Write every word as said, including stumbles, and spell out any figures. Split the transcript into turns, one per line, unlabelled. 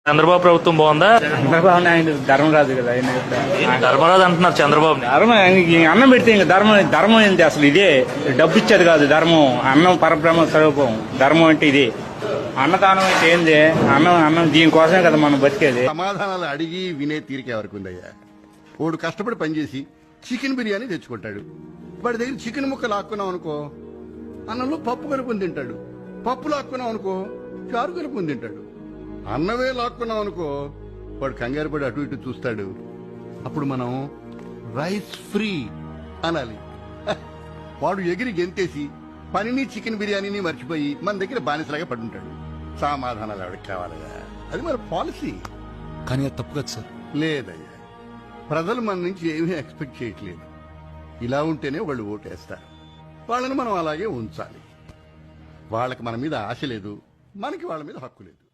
చంద్రబాబు ప్రభుత్వం బాగుందా?
చంద్రబాబు నాయుడు ధర్మరాజు కదా ఆయన ఇప్పుడు.
ధర్మరాజు అంటున్నారు చంద్రబాబు.
ధర్మం ఆయనకి అన్నం పెడితే ఇంకా ధర్మం ధర్మం ఏంటి అసలు? ఇదే డబ్బు ఇచ్చేది కాదు ధర్మం. అన్నం పరబ్రహ్మ స్వరూపం. ధర్మం అంటే ఇది. అన్నదానం అంటే ఏంది? అన్నం అన్నం దీనికోసమే కదా మనం బతికేది.
సమాధానాలు అడిగి వినే తీరిక ఎవరికి ఉందయ్యా? వాడు కష్టపడి పనిచేసి చికెన్ బిర్యానీ తెచ్చుకుంటాడు. వాడి దగ్గర చికెన్ ముక్క లాక్కున్నాం అనుకో, అన్నంలో పప్పు కలుపుని తింటాడు. పప్పు లాక్కున్నాం అనుకో, చారు కలుపుని తింటాడు. అన్నమే లాక్కున్నాం అనుకో, వాడు కంగారు పడి అటు ఇటు చూస్తాడు. అప్పుడు మనం రైస్ ఫ్రీ అనాలి. హ, వాడు ఎగిరి గెంతేసి పనిని చికెన్ బిర్యానీని మర్చిపోయి మన దగ్గర బానిసలాగా పడుంటాడు. సమాధానాలు ఎవరికి కావాలయ్యా? అది మన పాలసీ.
కానీ అది తప్పు కదా సార్.
లేదయ్యా, ప్రజలు మన నుంచి ఏమీ ఎక్స్పెక్ట్ చేయట్లేదు. ఇలా ఉంటేనే వాళ్ళు ఓటేస్తారు. వాళ్ళని మనం అలాగే ఉంచాలి. వాళ్ళకి మన మీద ఆశ లేదు, మనకి వాళ్ళ మీద హక్కు లేదు.